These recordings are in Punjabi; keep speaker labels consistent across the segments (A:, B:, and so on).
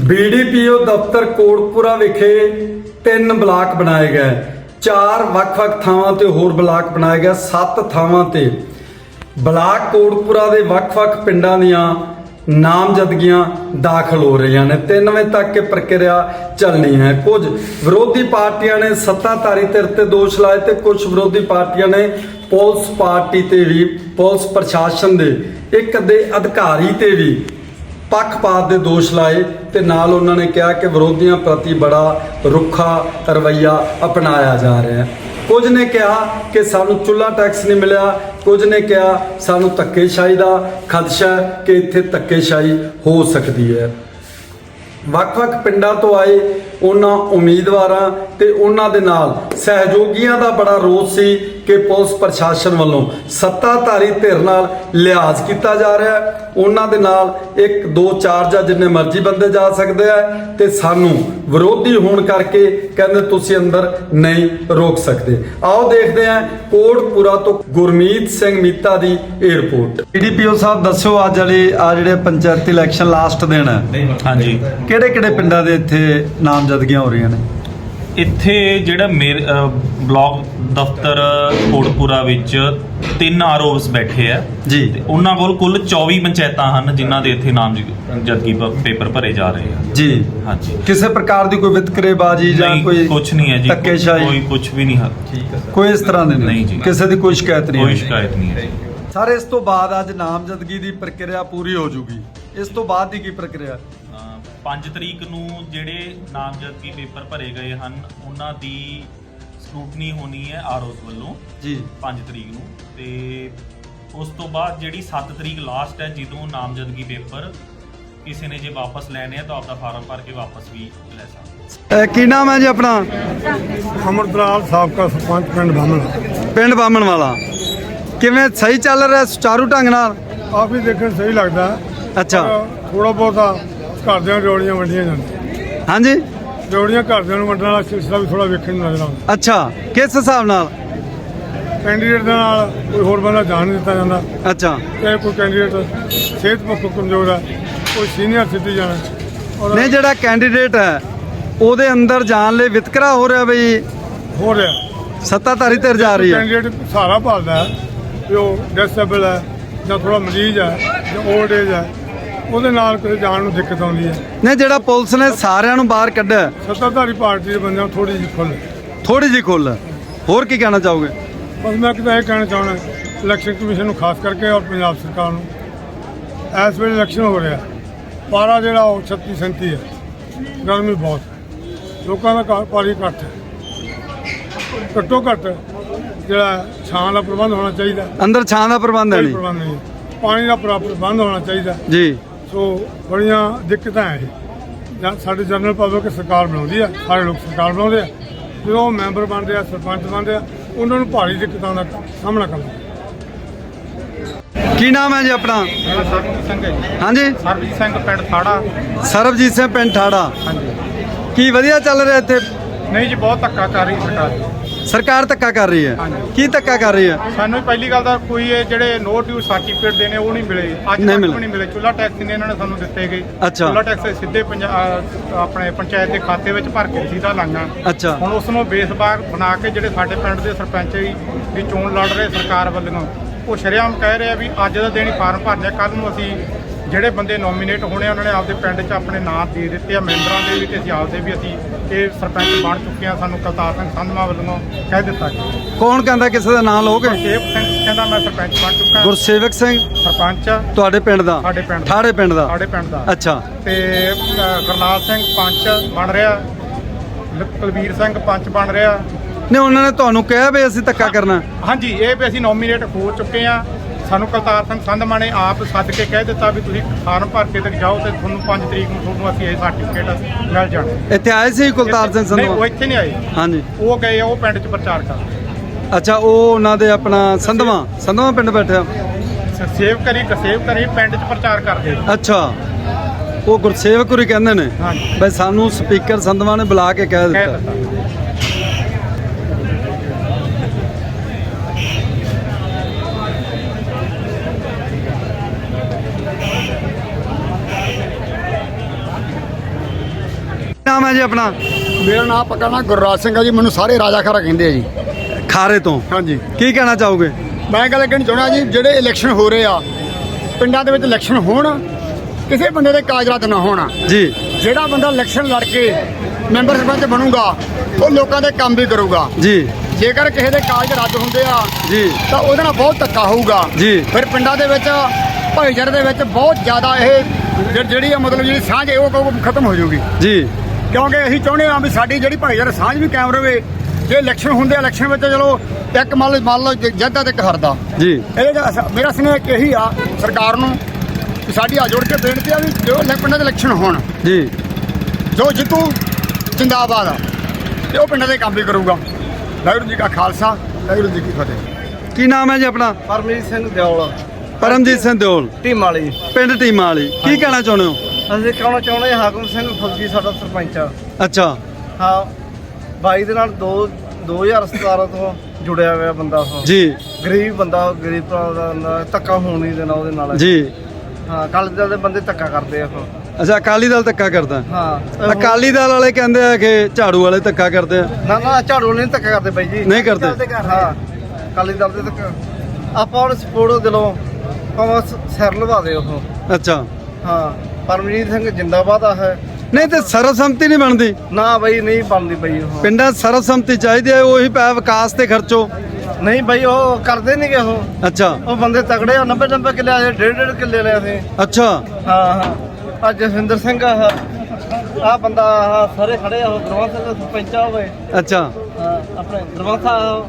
A: बीडीपीओ दफ्तर कोटपुरा विखे 3 ब्लाक बनाए गए, 4 ਵੱਖ-ਵੱਖ ਥਾਵਾਂ ਤੇ ਹੋਰ ਬਲਾਕ ਬਣਾਏ ਗਏ, 7 ਥਾਵਾਂ ਤੇ ਬਲਾਕ ਕੋਟਪੁਰਾ ਦੇ ਵੱਖ-ਵੱਖ ਪਿੰਡਾਂ ਦੀਆਂ ਨਾਮਜ਼ਦਗੀਆਂ ਦਾਖਲ ਹੋ ਰਹੀਆਂ ਨੇ। 3 ਵਜੇ ਤੱਕ ਇਹ ਪ੍ਰਕਿਰਿਆ ਚੱਲਣੀ ਹੈ। ਕੁਝ ਵਿਰੋਧੀ ਪਾਰਟੀਆਂ ਨੇ ਸੱਤਾਧਾਰੀ ਧਿਰ ਤੇ ਦੋਸ਼ ਲਾਏ ਤੇ ਕੁਝ ਵਿਰੋਧੀ ਪਾਰਟੀਆਂ ਨੇ ਪੁਲਿਸ ਪਾਰਟੀ ਤੇ ਵੀ, ਪੁਲਿਸ ਪ੍ਰਸ਼ਾਸਨ ਦੇ ਇੱਕ ਅੱਧੇ ਅਧਿਕਾਰੀ ਤੇ ਵੀ ਪੱਖਪਾਤ ਦੇ ਦੋਸ਼ ਲਾਏ ਤੇ ਨਾਲ ਉਹਨਾਂ ਨੇ ਕਿਹਾ ਕਿ ਵਿਰੋਧੀਆਂ ਪ੍ਰਤੀ ਬੜਾ ਰੁੱਖਾ ਰਵੱਈਆ ਅਪਣਾਇਆ ਜਾ ਰਿਹਾ ਹੈ। ਕੁਝ ਨੇ ਕਿਹਾ ਕਿ ਸਾਨੂੰ ਚੁੱਲ੍ਹਾ ਟੈਕਸ ਨਹੀਂ ਮਿਲਿਆ, ਕੁਝ ਨੇ ਕਿਹਾ ਸਾਨੂੰ ਧੱਕੇਸ਼ਾਹੀ ਦਾ ਖਦਸ਼ਾ ਹੈ ਕਿ ਇੱਥੇ ਧੱਕੇਸ਼ਾਹੀ ਹੋ ਸਕਦੀ ਹੈ। ਵੱਖ-ਵੱਖ ਪਿੰਡਾਂ ਤੋਂ ਆਏ ਉਹਨਾਂ ਉਮੀਦਵਾਰਾਂ ਤੇ ਉਹਨਾਂ ਦੇ ਨਾਲ ਸਹਿਯੋਗੀਆਂ ਦਾ ਬੜਾ ਰੋਸ ਸੀ ਕਿ ਪੁਲਿਸ ਪ੍ਰਸ਼ਾਸਨ ਵੱਲੋਂ ਸੱਤਾਧਾਰੀ ਧਿਰ ਨਾਲ ਲਿਹਾਜ਼ ਕੀਤਾ ਜਾ ਰਿਹਾ ਹੈ। ਉਹਨਾਂ ਦੇ ਨਾਲ 1 2 4 ਜਾਂ ਜਿੰਨੇ ਮਰਜ਼ੀ ਬੰਦੇ ਜਾ ਸਕਦੇ ਆ ਤੇ ਸਾਨੂੰ ਵਿਰੋਧੀ ਹੋਣ ਕਰਕੇ ਕਹਿੰਦੇ ਤੁਸੀਂ ਅੰਦਰ ਨਹੀਂ ਰੋਕ ਸਕਦੇ। ਆਓ ਦੇਖਦੇ ਹਾਂ ਕੋਟਪੁਰਾ ਤੋਂ ਗੁਰਮੀਤ ਸਿੰਘ ਮੀਤਾ ਦੀ ਇਹ ਰਿਪੋਰਟ। ਡੀਡੀਪੀਓ ਸਾਹਿਬ ਦੱਸਿਓ ਅੱਜ ਵਾਲੀ ਆ ਜਿਹੜੇ ਪੰਚਾਇਤੀ ਇਲੈਕਸ਼ਨ ਲਾਸਟ ਦਿਨ ਹੈ,
B: ਹਾਂਜੀ,
A: ਕਿਹੜੇ ਪਿੰਡਾਂ ਦੇ ਇੱਥੇ ਨਾਮਜ਼ਦਗੀਆਂ ਹੋ ਰਹੀਆਂ ਨੇ?
B: ਇੱਥੇ ਜਿਹੜਾ ਬਲਾਕ ਦਫ਼ਤਰ ਕੋਟਪੁਰਾ ਵਿੱਚ 3 ਆਰਓਸ ਬੈਠੇ ਆ
A: ਜੀ
B: ਤੇ ਉਹਨਾਂ ਕੋਲ ਕੁੱਲ 24 ਪੰਚਾਇਤਾਂ ਹਨ ਜਿਨ੍ਹਾਂ ਦੇ ਇੱਥੇ ਨਾਮਜ਼ਦਗੀ ਪੇਪਰ ਭਰੇ ਜਾ ਰਹੇ ਆ
A: ਜੀ।
B: ਹਾਂਜੀ,
A: ਕਿਸੇ ਪ੍ਰਕਾਰ ਦੀ ਕੋਈ ਵਿਤਕਰੇਬਾਜ਼ੀ ਜਾਂ ਕੋਈ
B: ਕੁਝ ਨਹੀਂ ਹੈ ਜੀ,
A: ਧੱਕੇਸ਼ਾਹੀ
B: ਕੋਈ ਕੁਝ ਵੀ ਨਹੀਂ ਹੈ,
A: ਕੋਈ ਇਸ ਤਰ੍ਹਾਂ ਦੇ
B: ਨਹੀਂ ਜੀ,
A: ਕਿਸੇ ਦੀ ਕੋਈ ਸ਼ਿਕਾਇਤ ਨਹੀਂ
B: ਕੋਈ ਸ਼ਿਕਾਇਤ ਨਹੀਂ ਹੈ।
A: ਸਰ, ਇਸ ਤੋਂ ਬਾਅਦ ਅੱਜ ਨਾਮਜ਼ਦਗੀ ਦੀ ਪ੍ਰਕਿਰਿਆ ਪੂਰੀ ਹੋ ਜੂਗੀ, ਇਸ ਤੋਂ ਬਾਅਦ ਦੀ ਕੀ ਪ੍ਰਕਿਰਿਆ?
B: 5 ਤਰੀਕ ਨੂੰ ਜਿਹੜੇ ਨਾਮਜ਼ਦਗੀ ਪੇਪਰ ਭਰੇ ਗਏ ਹਨ ਉਹਨਾਂ ਦੀ ਸਕਰੂਟਨੀ ਹੋਣੀ ਹੈ ਆਰਓਸ ਵੱਲੋਂ
A: ਜੀ
B: 5 ਤਰੀਕ ਨੂੰ, ਤੇ ਉਸ ਤੋਂ ਬਾਅਦ ਜਿਹੜੀ 7 ਤਰੀਕ ਲਾਸਟ ਹੈ ਜਦੋਂ ਨਾਮਜ਼ਦਗੀ ਪੇਪਰ ਕਿਸੇ ਨੇ ਜੇ ਵਾਪਸ ਲੈਣੇ ਆ ਤਾਂ ਆਪਦਾ ਫਾਰਮ ਭਰ ਕੇ ਵਾਪਸ ਵੀ ਲੈ ਸਕਦਾ।
A: ਕੀ ਨਾਮ ਹੈ ਜੀ ਆਪਣਾ?
C: ਅਮਰਦਲਾਲ ਸਾਬਕਾ ਸਰਪੰਚ ਪਿੰਡ
A: ਬਾਮਣ ਵਾਲਾ। ਕਿਵੇਂ ਸਹੀ ਚੱਲ ਰਿਹਾ, ਸੁਚਾਰੂ ਢੰਗ ਨਾਲ?
C: ਕਾਫੀ ਦੇਖਣ ਸਹੀ ਲੱਗਦਾ।
A: ਅੱਛਾ,
C: ਥੋੜਾ ਬਹੁਤਾ ਘਰਦਿਆਂ ਨੂੰ ਜੋੜੀਆਂ ਵੰਡੀਆਂ ਜਾਂਦੀਆਂ,
A: ਹਾਂਜੀ,
C: ਜੋੜੀਆਂ ਘਰਦਿਆਂ ਨੂੰ ਵੰਡਣ ਵਾਲਾ ਸਿਲਸਿਲਾ ਵੀ ਥੋੜਾ ਵੇਖਣ ਨੂੰ ਨਜ਼ਰ ਆਉਂਦਾ।
A: ਅੱਛਾ, ਕਿਸ ਹਿਸਾਬ ਨਾਲ?
C: ਕੈਂਡੀਡੇਟ ਦੇ ਨਾਲ ਕੋਈ ਹੋਰ ਬੰਦਾ ਜਾਣ ਨਹੀਂ ਦਿੱਤਾ ਜਾਂਦਾ।
A: ਅੱਛਾ,
C: ਚਾਹੇ ਕੋਈ ਕੈਂਡੀਡੇਟ ਸਿਹਤ ਪੱਖੋਂ ਕਮਜ਼ੋਰ ਹੈ, ਕੋਈ ਸੀਨੀਅਰ ਸਿਟੀਜ਼ਨ ਹੈ, ਔਰ
A: ਨਹੀਂ ਜਿਹੜਾ ਕੈਂਡੀਡੇਟ ਹੈ ਉਹਦੇ ਅੰਦਰ ਜਾਣ ਲਈ ਵਿਤਕਰਾ ਹੋ ਰਿਹਾ ਬਈ,
C: ਹੋ ਰਿਹਾ
A: ਸੱਤਾਧਾਰੀ ਧਿਰ ਜਾ ਰਹੀ ਹੈ।
C: ਕੈਂਡੀਡੇਟ ਸਹਾਰਾ ਭਾਲਦਾ ਹੈ ਵੀ ਉਹ ਡਿਸੇਬਲ ਹੈ ਜਾਂ ਥੋੜਾ ਮਰੀਜ਼ ਹੈ ਜਾਂ ਓਲਡ ਏਜ ਹੈ, ਉਹਦੇ ਨਾਲ ਕਿਤੇ ਜਾਣ ਨੂੰ ਦਿੱਕਤ ਆਉਂਦੀ ਹੈ।
A: ਨਹੀਂ ਜਿਹੜਾ ਪੁਲਿਸ ਨੇ ਸਾਰਿਆਂ ਨੂੰ ਬਾਹਰ ਕੱਢਿਆ,
C: ਸੱਤਾਧਾਰੀ ਪਾਰਟੀ ਦੇ ਬੰਦਿਆਂ ਨੂੰ ਥੋੜੀ ਜਿਹੀ
A: ਖੁੱਲ੍ਹ, ਹੋਰ ਕੀ ਕਹਿਣਾ ਚਾਹੋਗੇ?
C: ਬਸ ਮੈਂ ਕਿਤੇ ਇਹ ਕਹਿਣਾ ਚਾਹੁੰਦਾ ਇਲੈਕਸ਼ਨ ਕਮਿਸ਼ਨ ਨੂੰ ਖਾਸ ਕਰਕੇ ਔਰ ਪੰਜਾਬ ਸਰਕਾਰ ਨੂੰ, ਇਸ ਵੇਲੇ ਇਲੈਕਸ਼ਨ ਹੋ ਰਿਹਾ, ਪਾਰਾ ਜਿਹੜਾ ਉਹ 36 37 ਹੈ, ਗਰਮੀ ਬਹੁਤ ਹੈ, ਲੋਕਾਂ ਦਾ ਪਾਰੀ ਘੱਟ ਹੈ, ਘੱਟੋ ਘੱਟ ਜਿਹੜਾ ਛਾਂ ਦਾ ਪ੍ਰਬੰਧ ਹੋਣਾ ਚਾਹੀਦਾ,
A: ਅੰਦਰ ਛਾਂ ਦਾ ਪ੍ਰਬੰਧ ਹੈ
C: ਕੋਈ
A: ਨਹੀਂ
C: ਪ੍ਰਬੰਧ ਨਹੀਂ, ਪਾਣੀ ਦਾ ਪ੍ਰਬੰਧ ਹੋਣਾ ਚਾਹੀਦਾ
A: ਜੀ।
C: ਸੋ ਬੜੀਆਂ ਦਿੱਕਤਾਂ ਹੈ ਇਹ। ਜਾਂ ਸਾਡੇ ਜਨਰਲ ਪਬਲਿਕ ਸਰਕਾਰ ਬਣਾਉਂਦੀ ਹੈ, ਸਾਰੇ ਲੋਕ ਸਰਕਾਰ ਬਣਾਉਂਦੇ ਆ, ਜਦੋਂ ਉਹ ਮੈਂਬਰ ਬਣਦੇ ਆ, ਸਰਪੰਚ ਬਣਦੇ ਆ, ਉਹਨਾਂ ਨੂੰ ਭਾਰੀ ਦਿੱਕਤਾਂ ਦਾ ਸਾਹਮਣਾ ਕਰਨਾ।
A: ਕੀ ਨਾਮ ਹੈ ਜੀ ਆਪਣਾ?
D: ਸਰਬਜੀਤ ਸਿੰਘ ਹੈ ਜੀ।
A: ਹਾਂਜੀ,
D: ਸਰਬਜੀਤ ਸਿੰਘ ਪਿੰਡ ਥਾੜਾ।
A: ਸਰਬਜੀਤ ਸਿੰਘ ਪਿੰਡ ਠਾੜਾ।
D: ਹਾਂਜੀ,
A: ਕੀ ਵਧੀਆ ਚੱਲ ਰਿਹਾ ਇੱਥੇ?
D: ਨਹੀਂ ਜੀ, ਬਹੁਤ ਧੱਕਾ ਕਰ ਰਹੀ ਸਰਕਾਰ।
A: ਸਰਕਾਰ ਧੱਕਾ ਕਰ ਰਹੀ ਹੈ?
D: ਹਾਂਜੀ।
A: ਕੀ ਧੱਕਾ ਕਰ ਰਹੀ ਹੈ?
D: ਸਾਨੂੰ ਪਹਿਲੀ ਗੱਲ ਤਾਂ ਕੋਈ ਇਹ ਜਿਹੜੇ ਨੋ ਡਿਊ ਸਰਟੀਫਿਕੇਟ ਦੇਣੇ ਉਹ ਨਹੀਂ ਮਿਲੇ, ਅੱਜ
A: ਨਹੀਂ
D: ਤੱਕ
A: ਮਿਲੇ।
D: ਵੀ ਨਹੀਂ ਮਿਲੇ। ਚੁੱਲ੍ਹਾ ਟੈਕਸ ਨੇ ਇਹਨਾਂ ਨੇ ਸਾਨੂੰ ਦਿੱਤੇ ਗਏ।
A: ਅੱਛਾ।
D: ਚੁੱਲ੍ਹਾ ਟੈਕਸ ਸਿੱਧੇ ਆਪਣੇ ਪੰਚਾਇਤ ਦੇ ਖਾਤੇ ਵਿੱਚ ਭਰ ਕੇ ਰਸੀਦਾਂ ਲਾਈਆਂ।
A: ਅੱਛਾ,
D: ਹੁਣ ਉਸ ਨੂੰ ਬੇਸ ਬਾਰ ਬਣਾ ਕੇ ਜਿਹੜੇ ਸਾਡੇ ਪਿੰਡ ਦੇ ਸਰਪੰਚ ਵੀ ਚੋਣ ਲੜ ਰਹੇ ਸਰਕਾਰ ਵੱਲੋਂ, ਉਹ ਸ਼ਰੇਆਮ ਕਹਿ ਰਹੇ ਆ ਵੀ ਅੱਜ ਦਾ ਦਿਨ ਹੀ ਫਾਰਮ ਭਰਨੇ, ਕੱਲ੍ਹ ਨੂੰ ਅਸੀਂ ਜਿਹੜੇ ਬੰਦੇ ਨੋਮੀਨੇਟ ਹੋਣੇ ਉਹਨਾਂ ਨੇ ਆਪਦੇ ਪਿੰਡ 'ਚ ਆਪਣੇ ਨਾਂ ਦੇ ਦਿੱਤੇ ਆ, ਮੈਂਬਰਾਂ ਦੇ ਵੀ ਤੇ ਅਸੀਂ ਆਪਦੇ ਵੀ, ਅਸੀਂ ਇਹ ਸਰਪੰਚ ਬਣ ਚੁੱਕੇ ਆ, ਸਾਨੂੰ ਕਲਤਾਰ ਸਿੰਘ ਸੰਧਮਾ ਵੱਲੋਂ ਕਹਿ ਦਿੱਤਾ ਜੀ।
A: ਕੌਣ ਕਹਿੰਦਾ ਕਿਸੇ ਦਾ ਨਾਮ ਲਓਗੇ?
D: ਗੁਰਸੇਵਕ ਸਿੰਘ ਕਹਿੰਦਾ ਮੈਂ ਸਰਪੰਚ ਬਣ ਚੁੱਕਾ।
A: ਗੁਰਸੇਵਕ ਸਿੰਘ
D: ਸਰਪੰਚ ਆ
A: ਤੁਹਾਡੇ ਪਿੰਡ ਦਾ?
D: ਸਾਡੇ ਪਿੰਡ ਦਾ।
A: ਠਾੜੇ ਪਿੰਡ ਦਾ?
D: ਸਾਡੇ ਪਿੰਡ ਦਾ।
A: ਅੱਛਾ,
D: ਤੇ ਗੁਰਨਾਲ ਸਿੰਘ ਪੰਚ ਬਣ ਰਿਹਾ, ਕੁਲਵੀਰ ਸਿੰਘ ਪੰਚ ਬਣ ਰਿਹਾ।
A: ਨਹੀਂ ਉਹਨਾਂ ਨੇ ਤੁਹਾਨੂੰ ਕਿਹਾ ਵੀ ਅਸੀਂ ਧੱਕਾ ਕਰਨਾ?
D: ਹਾਂਜੀ, ਇਹ ਵੀ ਅਸੀਂ ਨੋਮੀਨੇਟ ਹੋ ਚੁੱਕੇ ਆ। ਸਾਨੂੰ ਕਲਤਾਰ ਸਿੰਘ ਸੰਧਮਾ ਨੇ ਆਪ ਸੱਦ ਕੇ ਕਹਿ ਦਿੱਤਾ ਵੀ ਤੁਸੀਂ ਫਾਰਮ ਭਰ ਕੇ ਤੱਕ ਜਾਓ ਤੇ ਤੁਹਾਨੂੰ 5 ਤਰੀਕ ਨੂੰ ਤੁਹਾਨੂੰ ਅਸੀਂ ਇਹ ਸਰਟੀਫਿਕੇਟ ਮਿਲ ਜਾਣਾ।
A: ਇੱਥੇ ਆਏ ਸੀ ਕੁਲਤਾਰ ਸਿੰਘ
D: ਨਹੀਂ, ਉਹ
A: ਸੰਧਵਾ?
D: ਇੱਥੇ ਨਹੀਂ ਆਏ।
A: ਹਾਂਜੀ,
D: ਉਹ ਗਏ ਆ, ਉਹ ਪਿੰਡ 'ਚ ਪ੍ਰਚਾਰ ਕਰ।
A: ਅੱਛਾ, ਉਹ ਉਹਨਾਂ ਦੇ ਆਪਣਾ ਸੰਧਵਾ ਪਿੰਡ ਬੈਠਿਆ?
D: ਸੇਵ ਕਰੀ ਪਿੰਡ 'ਚ ਪ੍ਰਚਾਰ ਕਰਦੇ।
A: ਅੱਛਾ, ਉਹ ਗੁਰਸੇਵਕ ਹੋਰੀ ਕਹਿੰਦੇ ਨੇ
D: ਹਾਂਜੀ।
A: ਬਈ ਸਾਨੂੰ ਸਪੀਕਰ ਸੰਧਵਾ ਨੇ ਬੁਲਾ ਕੇ ਕਹਿ
D: ਕਹਿ
A: ਦਿੱਤਾ।
D: ਦਿੱਤਾ।
A: ਨਾਮ ਹੈ ਜੀ ਆਪਣਾ?
C: ਮੇਰਾ ਨਾਮ ਪੱਕਾ ਨਾਮ ਗੁਰਰਾਜ ਸਿੰਘ ਹੈ ਜੀ। ਮੈਨੂੰ ਸਾਰੇ ਰਾਜਾ ਖਾਰਾ ਕਹਿੰਦੇ ਆ ਜੀ।
A: ਖਾਰੇ ਤੋਂ
C: ਹਾਂਜੀ,
A: ਕੀ ਕਹਿਣਾ ਚਾਹੋਗੇ?
C: ਮੈਂ ਗੱਲ ਕਹਿਣੀ ਚਾਹੁੰਦਾ ਜੀ, ਜਿਹੜੇ ਇਲੈਕਸ਼ਨ ਹੋ ਰਹੇ ਆ ਪਿੰਡਾਂ ਦੇ ਵਿੱਚ, ਇਲੈਕਸ਼ਨ ਹੋਣ, ਕਿਸੇ ਬੰਦੇ ਦੇ ਕਾਗਜ਼ਾਤ ਨਾ ਹੋਣ।
A: ਜੀ
C: ਜਿਹੜਾ ਬੰਦਾ ਇਲੈਕਸ਼ਨ ਲੜ ਕੇ ਮੈਂਬਰ ਸਰਪੰਚ ਬਣੂਗਾ ਉਹ ਲੋਕਾਂ ਦੇ ਕੰਮ ਵੀ ਕਰੂਗਾ।
A: ਜੀ
C: ਜੇਕਰ ਕਿਸੇ ਦੇ ਕਾਗਜ਼ ਰੱਦ ਹੁੰਦੇ ਆ
A: ਜੀ
C: ਤਾਂ ਉਹਦੇ ਨਾਲ ਬਹੁਤ ਧੱਕਾ ਹੋਊਗਾ।
A: ਜੀ।
C: ਫਿਰ ਪਿੰਡਾਂ ਦੇ ਵਿੱਚ, ਭਾਈਚਾਰੇ ਦੇ ਵਿੱਚ ਬਹੁਤ ਜ਼ਿਆਦਾ ਇਹ ਜਿਹੜੀ ਆ ਮਤਲਬ ਜਿਹੜੀ ਸਾਂਝ ਹੈ ਉਹ ਖਤਮ ਹੋ ਜਾਊਗੀ।
A: ਜੀ
C: ਕਿਉਂਕਿ ਅਸੀਂ ਚਾਹੁੰਦੇ ਹਾਂ ਵੀ ਸਾਡੀ ਜਿਹੜੀ ਭਾਈਚਾਰਾ ਸਾਂਝ ਵੀ ਕਾਇਮ ਰਵੇ। ਜੇ ਇਲੈਕਸ਼ਨ ਹੁੰਦੇ ਆ, ਇਲੈਕਸ਼ਨ ਵਿੱਚ ਚਲੋ ਇੱਕ ਮੰਨ ਲਓ ਜੱਦਾ ਤੇ ਇੱਕ ਹਰਦਾ।
A: ਜੀ
C: ਇਹਦੇ ਮੇਰਾ ਸੁਨੇਹਾ ਇਹੀ ਆ ਸਰਕਾਰ ਨੂੰ ਕਿ ਸਾਡੀ ਆ ਜੋੜ ਕੇ ਬੇਨਤੀ ਆ ਵੀ ਜੋ ਪਿੰਡਾਂ ਦੇ ਇਲੈਕਸ਼ਨ ਹੋਣ,
A: ਜੀ
C: ਜੋ ਜਿੱਤੂ ਜਿੰਦਾਬਾਦ ਆ ਤੇ ਉਹ ਪਿੰਡਾਂ ਦੇ ਕੰਮ ਵੀ ਕਰੂਗਾ। ਵਾਹਿਗੁਰੂ ਜੀ ਕਾ ਖਾਲਸਾ, ਵਾਹਿਗੁਰੂ ਜੀ ਕੀ ਫਤਿਹ।
A: ਕੀ ਨਾਮ ਹੈ ਜੀ ਆਪਣਾ?
E: ਪਰਮਜੀਤ ਸਿੰਘ ਦਿਓਲ,
A: ਪਰਮਜੀਤ ਸਿੰਘ ਦਿਓਲ,
E: ਟੀਮ ਵਾਲੀ।
A: ਪਿੰਡ ਟੀਮਾਂ ਵਾਲੀ। ਕੀ ਕਹਿਣਾ ਚਾਹੁੰਦੇ ਹੋ?
E: ਅਸੀਂ ਕਹਿਣਾ ਚਾਹੁੰਦੇ ਹਾਂ ਹਾਕਮ ਸਿੰਘ ਫੌਜੀ ਸਾਡਾ ਸਰਪੰਚ ਆ।
A: ਅੱਛਾ
E: ਹਾਂ, ਬਾਈ ਦੇ ਨਾਲ 2017 ਤੋਂ ਜੁੜਿਆ ਹੋਇਆ ਬੰਦਾ ਉਹ।
A: ਜੀ
E: ਗਰੀਬ ਬੰਦਾ, ਗਰੀਬ ਭਰਾ ਦਾ ਬੰਦਾ, ਧੱਕਾ ਹੋਣ ਨਹੀਂ ਦੇਣਾ ਉਹਦੇ ਨਾਲ।
A: ਜੀ
E: ਹਾਂ, ਅਕਾਲੀ ਦਲ ਦੇ ਬੰਦੇ ਧੱਕਾ ਕਰਦੇ ਆ ਉਹ।
A: ਅੱਛਾ, ਅਕਾਲੀ ਦਲ ਧੱਕਾ ਕਰਦਾ?
E: ਹਾਂ,
A: ਅਕਾਲੀ ਦਲ ਵਾਲੇ ਕਹਿੰਦੇ ਆ ਕਿ ਝਾੜੂ ਵਾਲੇ ਧੱਕਾ ਕਰਦੇ ਆ।
E: ਨਾ ਝਾੜੂ ਨਹੀਂ ਧੱਕਾ ਕਰਦੇ ਬਾਈ ਜੀ।
A: ਨਹੀਂ ਕਰਦੇ?
E: ਹਾਂ, ਅਕਾਲੀ ਦਲ ਦੇ ਧੱਕਾ ਆਪਾਂ ਹੁਣ ਸਪੋਰਟ ਦਿਲੋਂ ਭਾਵੇਂ ਸਿਰ ਲਵਾ ਦੇ ਉਹ।
A: ਅੱਛਾ,
E: ਹਾਂ, ਪਰਮਜੀਤ ਸਿੰਘ ਜਿੰਦਾਬਾਦ ਆ ਹੈ।
A: ਨਹੀਂ ਤੇ ਸਰਵਸੰਮਤੀ ਨਹੀਂ ਬਣਦੀ?
E: ਨਾ ਬਾਈ, ਨਹੀਂ ਬਣਦੀ ਬਾਈ ਉਹ।
A: ਪਿੰਡਾਂ 'ਚ ਸਰਵਸੰਮਤੀ ਚਾਹੀਦੀ ਹੈ, ਉਹੀ ਪੈ ਵਿਕਾਸ ਤੇ ਖਰਚੋ।
E: ਨਹੀਂ ਬਾਈ, ਉਹ ਕਰਦੇ ਨਹੀਂਗੇ ਉਹ।
A: ਅੱਛਾ
E: ਉਹ ਬੰਦੇ ਤਗੜੇ ਆ, 90 ਕਿੱਲੇ ਆ, 1.5 ਕਿੱਲੇ ਲਿਆ ਸੀ।
A: ਅੱਛਾ
E: ਹਾਂ, ਆ ਜਸਵਿੰਦਰ ਸਿੰਘ ਆ ਬੰਦਾ, ਸਾਰੇ ਖੜੇ ਆ। ਉਹ ਗੁਰਵੰਤ ਸਿੰਘ ਸਰਪੰਚ ਆ ਹੋਵੇ।
A: ਅੱਛਾ
E: ਆਪਣੇ ਗੁਰਵੰਤ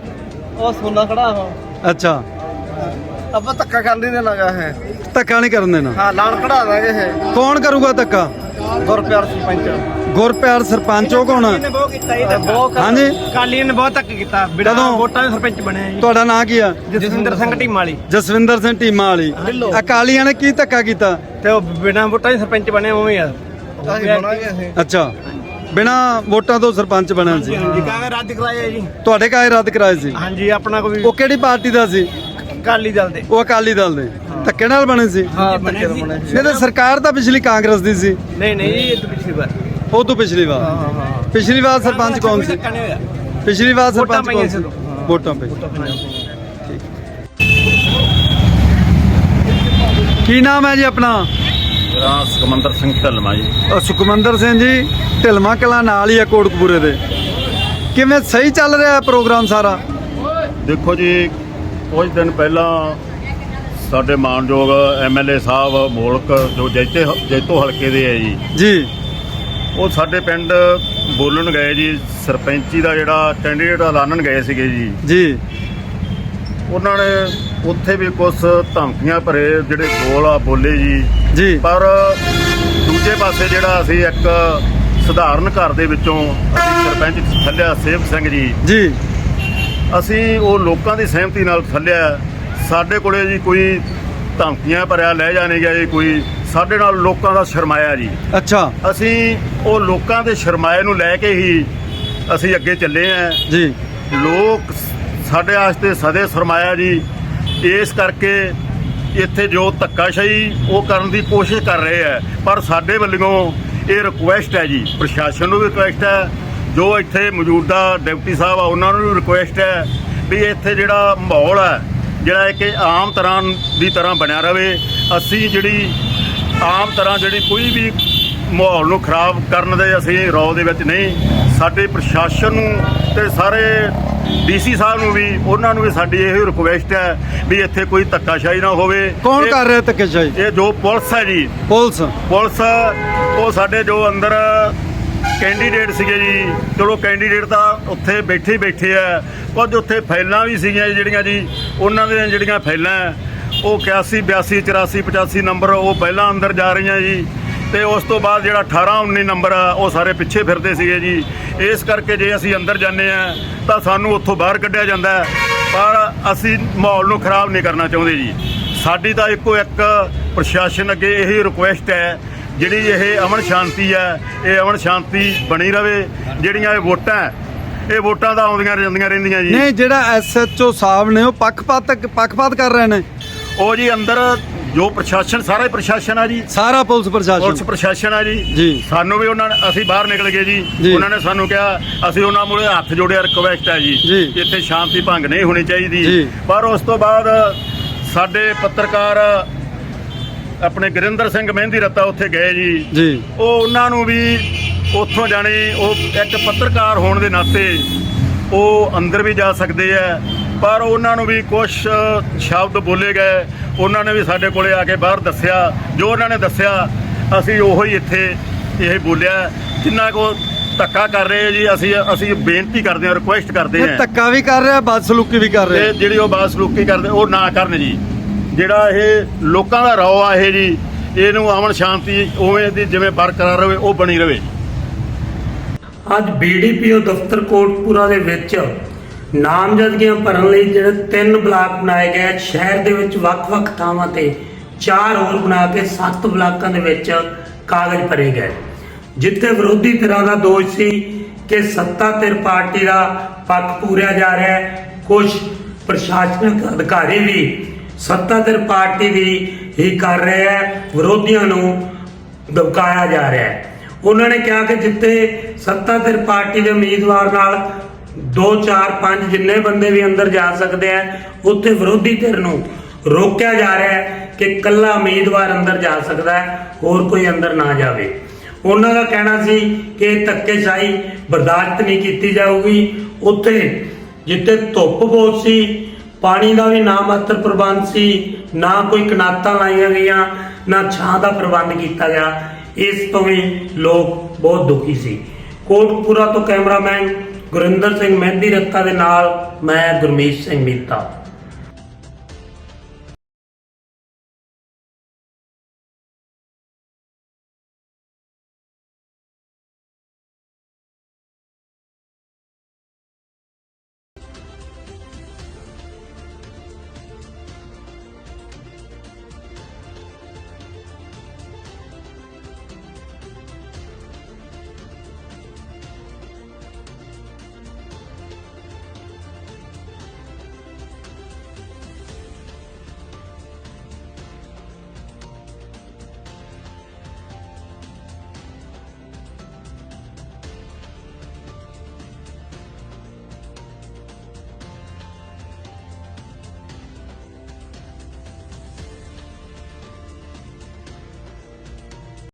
E: ਉਹ ਸੋਨਾ ਖੜਾ ਉਹ।
A: ਅੱਛਾ,
E: ਆਪਾਂ ਧੱਕਾ ਕਰਨ ਨਹੀਂ ਦੇਣਾਗਾ ਹੈ।
A: ਧੱਕਾ ਨਹੀਂ ਕਰਨ ਦੇਣਾ।
E: ਹਾਂ, ਲਾਣ ਕਢਾ ਦਾਂਗੇ ਇਹ।
A: ਕੌਣ ਕਰੂਗਾ ਧੱਕਾ?
E: ਗੁਰਪਿਆਰ ਸਰਪੰਚ।
A: ਗੁਰਪਿਆਰ ਸਰਪੰਚ ਉਹ ਕੌਣ?
E: ਬਹੁਤ ਕੀਤਾ ਇਹ ਧੱਕਾ।
A: ਹਾਂਜੀ,
E: ਕਾਲੀ ਨੇ ਬਹੁਤ ਧੱਕਾ ਕੀਤਾ।
A: ਕਦੋਂ?
E: ਵੋਟਾਂ ਦੇ ਸਰਪੰਚ ਬਣਿਆ ਜੀ।
A: ਤੁਹਾਡਾ ਨਾਂ ਕੀ ਆ?
E: ਜਸਵਿੰਦਰ ਸਿੰਘ ਟੀਮ ਵਾਲੀ।
A: ਜਸਵਿੰਦਰ ਸਿੰਘ ਟੀਮਾਂ ਵਾਲੀ। ਅਕਾਲੀਆਂ ਨੇ ਕੀ ਧੱਕਾ ਕੀਤਾ?
E: ਤੇ ਉਹ ਬਿਨਾਂ ਵੋਟਾਂ ਦੇ ਸਰਪੰਚ ਬਣੇ ਉਵੇਂ ਆ। ਅਸੀਂ ਬਣਾਂਗੇ ਅਸੀਂ।
A: ਅੱਛਾ, ਬਿਨਾ ਵੋਟਾਂ ਤੋਂ ਸਰਪੰਚ ਬਣਿਆ ਸੀ।
E: ਹਾਂਜੀ, ਕਾਗਜ਼ ਰੱਦ ਕਰਾਇਆ ਜੀ।
A: ਤੁਹਾਡੇ ਕਾਗਜ਼ ਰੱਦ ਕਰਾਏ ਸੀ?
E: ਹਾਂਜੀ, ਆਪਣਾ ਕੋਈ
A: ਉਹ ਕਿਹੜੀ ਪਾਰਟੀ ਦਾ ਸੀ?
E: ਅਕਾਲੀ ਦਲ ਦੇ।
A: ਉਹ ਅਕਾਲੀ ਦਲ ਦੇ। ਧੱਕੇ ਨਾਲ ਬਣੇ ਸੀ?
E: ਹਾਂ, ਬਣੇ ਸੀ।
A: ਨਹੀਂ ਤੇ ਸਰਕਾਰ ਤਾਂ ਪਿਛਲੀ ਕਾਂਗਰਸ ਦੀ ਸੀ।
E: ਨਹੀਂ ਇਹ ਤਾਂ ਪਿਛਲੀ ਵਾਰ।
A: ਉਹ ਤੋਂ ਪਿਛਲੀ ਵਾਰ?
E: ਹਾਂ।
A: ਪਿਛਲੀ ਵਾਰ ਸਰਪੰਚ ਕੌਣ ਸੀ?
E: ਧੱਕਾ ਨਹੀਂ ਹੋਇਆ।
A: ਪਿਛਲੀ ਵਾਰ ਸਰਪੰਚ
E: ਵੋਟਾਂ
A: ਕੌਣ
E: ਪਈਆਂ
A: ਸੀ?
E: ਸੀ ਉਦੋਂ।
A: ਵੋਟਾਂ ਪਈ। ਕੀ ਨਾਮ ਹੈ ਜੀ ਆਪਣਾ?
F: ਮੇਰਾ ਸੁਖਮੰਦਰ ਸਿੰਘ ਢਿੱਲਵਾਂ ਜੀ।
A: ਸੁਖਮੰਦਰ ਸਿੰਘ ਜੀ, ਢਿਲਮਾ ਕਲਾਂ ਨਾਲ ਹੀ ਆ ਕੋਟਕਪੂਰੇ ਦੇ। ਕਿਵੇਂ ਸਹੀ ਚੱਲ ਰਿਹਾ ਹੈ ਪ੍ਰੋਗਰਾਮ ਸਾਰਾ?
F: ਦੇਖੋ ਜੀ, ਕੁਝ ਦਿਨ ਪਹਿਲਾਂ ਸਾਡੇ ਮਾਨਯੋਗ ਐਮਐਲਏ ਸਾਹਿਬ ਮੋਲਕ ਜੋ ਜੈਤੋ ਹਲਕੇ ਦੇ ਹੈ ਜੀ,
A: ਜੀ
F: ਉਹ ਸਾਡੇ ਪਿੰਡ ਬੋਲਣ ਗਏ ਜੀ। ਸਰਪੰਚੀ ਦਾ ਜਿਹੜਾ ਕੈਂਡੀਡੇਟ ਐਲਾਨਣ ਗਏ ਸੀਗੇ ਜੀ,
A: ਜੀ
F: ਉਹਨਾਂ ਨੇ ਉੱਥੇ ਵੀ ਕੁਝ ਧਮਕੀਆਂ ਭਰੇ ਜਿਹੜੇ ਬੋਲ ਆ ਬੋਲੇ ਜੀ।
A: ਜੀ
F: ਪਰ ਦੂਜੇ ਪਾਸੇ ਜਿਹੜਾ ਅਸੀਂ ਇੱਕ ਸਧਾਰਨ ਘਰ ਦੇ ਵਿੱਚੋਂ ਅਸੀਂ ਸਰਪੰਚ ਥੱਲਿਆ ਸੇਵਕ ਸਿੰਘ ਜੀ, ਅਸੀਂ ਉਹ ਲੋਕਾਂ ਦੀ ਸਹਿਮਤੀ ਨਾਲ ਥੱਲਿਆ। ਸਾਡੇ ਕੋਲੇ ਜੀ ਕੋਈ ਧਮਕੀਆਂ ਭਰਿਆ ਲੈ ਜਾਣੇ ਗਿਆ ਜੀ, ਕੋਈ ਸਾਡੇ ਨਾਲ ਲੋਕਾਂ ਦਾ ਸ਼ਰਮਾਇਆ ਜੀ।
A: ਅੱਛਾ,
F: ਅਸੀਂ ਉਹ ਲੋਕਾਂ ਦੇ ਸ਼ਰਮਾਏ ਨੂੰ ਲੈ ਕੇ ਹੀ ਅਸੀਂ ਅੱਗੇ ਚੱਲੇ ਆਂ
A: ਜੀ।
F: ਲੋਕ ਸਾਡੇ ਵਾਸਤੇ ਸਦੇ ਸ਼ਰਮਾਇਆ ਜੀ। ਇਸ ਕਰਕੇ ਇੱਥੇ ਜੋ ਧੱਕਾਸ਼ਾਹੀ ਉਹ ਕਰਨ ਦੀ ਕੋਸ਼ਿਸ਼ ਕਰ ਰਹੇ ਆ, ਪਰ ਸਾਡੇ ਵੱਲੋਂ ਇਹ ਰਿਕੁਐਸਟ ਹੈ ਜੀ, ਪ੍ਰਸ਼ਾਸਨ ਨੂੰ ਵੀ ਰਿਕੁਐਸਟ ਹੈ, ਜੋ ਇੱਥੇ ਮੌਜੂਦਾ ਡਿਪਟੀ ਸਾਹਿਬ ਆ ਉਹਨਾਂ ਨੂੰ ਵੀ ਰਿਕੁਐਸਟ ਹੈ ਵੀ ਇੱਥੇ ਜਿਹੜਾ ਮਾਹੌਲ ਹੈ ਜਿਹੜਾ ਇੱਕ ਆਮ ਤਰ੍ਹਾਂ ਦੀ ਤਰ੍ਹਾਂ ਬਣਿਆ ਰਵੇ। ਅਸੀਂ ਜਿਹੜੀ ਆਮ ਤਰ੍ਹਾਂ ਜਿਹੜੀ ਕੋਈ ਵੀ ਮਾਹੌਲ ਨੂੰ ਖਰਾਬ ਕਰਨ ਦੇ ਅਸੀਂ ਰੌ ਦੇ ਵਿੱਚ ਨਹੀਂ। ਸਾਡੇ ਪ੍ਰਸ਼ਾਸਨ ਨੂੰ ਤੇ ਸਾਰੇ ਡੀਸੀ ਸਾਹਿਬ ਨੂੰ ਵੀ, ਉਹਨਾਂ ਨੂੰ ਵੀ ਸਾਡੀ ਇਹ ਰਿਕੁਐਸਟ ਹੈ ਵੀ ਇੱਥੇ ਕੋਈ ਧੱਕਾਸ਼ਾਹੀ ਨਾ ਹੋਵੇ।
A: ਕੌਣ ਕਰ ਰਿਹਾ ਧੱਕੇਸ਼ਾਹੀ?
F: ਇਹ ਜੋ ਪੁਲਿਸ ਹੈ ਜੀ,
A: ਪੁਲਿਸ
F: ਉਹ ਸਾਡੇ ਜੋ ਅੰਦਰ ਕੈਂਡੀਡੇਟ ਸੀਗੇ ਜੀ, ਚਲੋ ਕੈਂਡੀਡੇਟ ਤਾਂ ਉੱਥੇ ਬੈਠੇ ਆ, ਕੁਝ ਉੱਥੇ ਫਾਈਲਾਂ ਵੀ ਸੀਗੀਆਂ ਜਿਹੜੀਆਂ ਜੀ, ਉਹਨਾਂ ਦੀਆਂ ਜਿਹੜੀਆਂ ਫਾਈਲਾਂ ਉਹ 81 82 84 85 ਨੰਬਰ ਉਹ ਪਹਿਲਾਂ ਅੰਦਰ ਜਾ ਰਹੀਆਂ ਜੀ, ਤੇ ਉਸ ਤੋਂ ਬਾਅਦ ਜਿਹੜਾ 18 19 ਨੰਬਰ ਆ ਉਹ ਸਾਰੇ ਪਿੱਛੇ ਫਿਰਦੇ ਸੀਗੇ ਜੀ। ਇਸ ਕਰਕੇ ਜੇ ਅਸੀਂ ਅੰਦਰ ਜਾਂਦੇ ਆ ਤਾਂ ਸਾਨੂੰ ਉੱਥੋਂ ਬਾਹਰ ਕੱਢਿਆ ਜਾਂਦਾ, ਪਰ ਅਸੀਂ ਮਾਹੌਲ ਨੂੰ ਖਰਾਬ ਨਹੀਂ ਕਰਨਾ ਚਾਹੁੰਦੇ ਜੀ। ਸਾਡੀ ਤਾਂ ਇੱਕੋ ਇੱਕ ਪ੍ਰਸ਼ਾਸਨ ਅੱਗੇ ਇਹੀ ਰਿਕੁਐਸਟ ਹੈ, ਜਿਹੜੀ ਇਹ ਅਮਨ ਸ਼ਾਂਤੀ ਹੈ, ਇਹ ਅਮਨ ਸ਼ਾਂਤੀ ਬਣੀ ਰਵੇ। ਜਿਹੜੀਆਂ ਇਹ ਵੋਟਾਂ ਤਾਂ ਆਉਂਦੀਆਂ ਜਾਂਦੀਆਂ ਰਹਿੰਦੀਆਂ ਜੀ।
A: ਨਹੀਂ, ਜਿਹੜਾ ਐਸਐਚਓ ਸਾਹਿਬ ਨੇ ਉਹ ਪੱਖਪਾਤ ਕਰ ਰਹੇ ਨੇ।
F: ਉਹ ਜੀ ਅੰਦਰ ਜੋ ਪ੍ਰਸ਼ਾਸਨ ਸਾਰਾ ਹੀ ਪ੍ਰਸ਼ਾਸਨ ਆ ਜੀ,
A: ਸਾਰਾ ਪੁਲਿਸ
F: ਪੁਲਿਸ ਪ੍ਰਸ਼ਾਸਨ ਆ ਜੀ।
A: ਜੀ।
F: ਸਾਨੂੰ ਵੀ ਉਹਨਾਂ ਨੇ, ਅਸੀਂ ਬਾਹਰ ਨਿਕਲ ਗਏ
A: ਜੀ।
F: ਜੀ, ਉਹਨਾਂ ਨੇ ਸਾਨੂੰ ਕਿਹਾ, ਅਸੀਂ ਉਹਨਾਂ ਮੂਹਰੇ ਹੱਥ ਜੋੜਿਆ, ਰਿਕਵੈਸਟ ਹੈ ਜੀ
A: ਜੀ।
F: ਇੱਥੇ ਸ਼ਾਂਤੀ ਭੰਗ ਨਹੀਂ ਹੋਣੀ ਚਾਹੀਦੀ।
A: ਜੀ।
F: ਪਰ ਉਸ ਤੋਂ ਬਾਅਦ ਸਾਡੇ ਪੱਤਰਕਾਰ ਆਪਣੇ ਗੁਰਿੰਦਰ ਸਿੰਘ ਮਹਿੰਦੀ ਰੱਤਾ ਉੱਥੇ ਗਏ ਜੀ।
A: ਜੀ।
F: ਉਹ ਉਹਨਾਂ ਨੂੰ ਵੀ ਉੱਥੋਂ ਜਾਣੇ, ਉਹ ਇੱਕ ਪੱਤਰਕਾਰ ਹੋਣ ਦੇ ਨਾਤੇ ਉਹ ਅੰਦਰ ਵੀ ਜਾ ਸਕਦੇ ਆ, ਪਰ ਉਹਨਾਂ ਨੂੰ ਵੀ ਕੁਝ ਸ਼ਬਦ ਬੋਲੇ ਗਏ। ਉਹਨਾਂ ਨੇ ਵੀ ਸਾਡੇ ਕੋਲੇ ਆ ਕੇ ਬਾਹਰ ਦੱਸਿਆ, ਜੋ ਉਹਨਾਂ ਨੇ ਦੱਸਿਆ ਅਸੀਂ ਉਹੀ ਇੱਥੇ ਇਹ ਬੋਲਿਆ। ਜਿੰਨਾ ਕੋ ਧੱਕਾ ਕਰ ਰਹੇ ਜੀ, ਅਸੀਂ ਬੇਨਤੀ ਕਰਦੇ ਹਾਂ, ਰਿਕੁਐਸਟ ਕਰਦੇ ਹਾਂ,
A: ਧੱਕਾ ਵੀ ਕਰ ਰਿਹਾ, ਬਦਸਲੂਕੀ ਵੀ ਕਰ ਰਿਹਾ।
F: ਤੇ ਜਿਹੜੀ ਉਹ ਬਦਸਲੂਕੀ ਕਰਦੇ ਉਹ ਨਾ ਕਰਨ ਜੀ। ਜਿਹੜਾ ਇਹ ਲੋਕਾਂ ਦਾ ਰੌ ਆ ਇਹ ਜੀ, ਇਹਨੂੰ ਅਮਨ ਸ਼ਾਂਤੀ ਉਵੇਂ ਦੀ ਜਿਵੇਂ ਬਰਕਰਾਰ ਰਹੇ ਉਹ ਬਣੀ ਰਹੇ।
G: ਅੱਜ ਬੀਡੀਪੀਓ ਦਫ਼ਤਰ ਕੋਟਪੂਰਾ ਦੇ ਵਿੱਚ ਨਾਮਜ਼ਦਗੀਆਂ ਭਰਨ ਲਈ ਜਿਹੜੇ 3 ਬਲਾਕ ਬਣਾਏ ਗਏ ਸ਼ਹਿਰ ਦੇ ਵਿੱਚ ਵੱਖ-ਵੱਖ ਥਾਵਾਂ ਤੇ 4 ਹੋਰ ਬਣਾ ਕੇ 7 ਬਲਾਕਾਂ ਦੇ ਵਿੱਚ ਕਾਗਜ਼ ਭਰੇ ਗਏ, ਜਿੱਥੇ ਵਿਰੋਧੀ ਧਿਰਾਂ ਦਾ ਦੋਸ਼ ਸੀ ਕਿ ਸੱਤਾ ਧਿਰ ਪਾਰਟੀ ਦਾ ਪੱਖ ਪੂਰਿਆ ਜਾ ਰਿਹਾ ਹੈ। ਕੁਝ ਪ੍ਰਸ਼ਾਸਨਿਕ ਅਧਿਕਾਰੀ ਵੀ ਸੱਤਾ ਧਿਰ ਪਾਰਟੀ ਦੀ ਹੀ ਕਰ ਰਹੇ ਹੈ, ਵਿਰੋਧੀਆਂ ਨੂੰ ਦਬਕਾਇਆ ਜਾ ਰਿਹਾ ਹੈ। ਉਹਨਾਂ ਨੇ ਕਿਹਾ ਕਿ ਜਿੱਥੇ ਸੱਤਾ ਧਿਰ ਪਾਰਟੀ ਦੇ ਉਮੀਦਵਾਰ ਨਾਲ 2 4 5 ਜਿੰਨੇ ਬੰਦੇ ਵੀ ਅੰਦਰ ਜਾ ਸਕਦੇ ਆ, ਉੱਥੇ ਵਿਰੋਧੀ ਧਿਰ ਨੂੰ ਰੋਕਿਆ ਜਾ ਰਿਹਾ ਹੈ ਕਿ ਇਕੱਲਾ ਉਮੀਦਵਾਰ ਅੰਦਰ ਜਾ ਸਕਦਾ ਹੈ, ਹੋਰ ਕੋਈ ਅੰਦਰ ਨਾ ਜਾਵੇ। ਉਹਨਾਂ ਦਾ ਕਹਿਣਾ ਸੀ ਕਿ ਧੱਕੇਸ਼ਾਹੀ ਬਰਦਾਸ਼ਤ ਨਹੀਂ ਕੀਤੀ ਜਾਊਗੀ। ਉੱਥੇ ਜਿੱਥੇ ਧੁੱਪ ਬਹੁਤ ਸੀ, ਪਾਣੀ ਦਾ ਵੀ ਨਾ ਮਾਤਰ ਪ੍ਰਬੰਧ ਸੀ, ਨਾ ਕੋਈ ਕਨਾਤਾਂ ਲਾਈਆਂ ਗਈਆਂ, ਨਾ ਛਾਂ ਦਾ ਪ੍ਰਬੰਧ ਕੀਤਾ ਗਿਆ। ਇਸ ਤੋਂ ਵੀ ਲੋਕ ਬਹੁਤ ਦੁਖੀ ਸੀ। ਕੋਟਪੂਰਾ ਤੋਂ ਕੈਮਰਾਮੈਨ ਗੁਰਿੰਦਰ ਸਿੰਘ ਮਹਿੰਦੀ ਰੱਤਾ ਦੇ ਨਾਲ ਮੈਂ ਗੁਰਮੀਤ ਸਿੰਘ ਮੀਤਾ।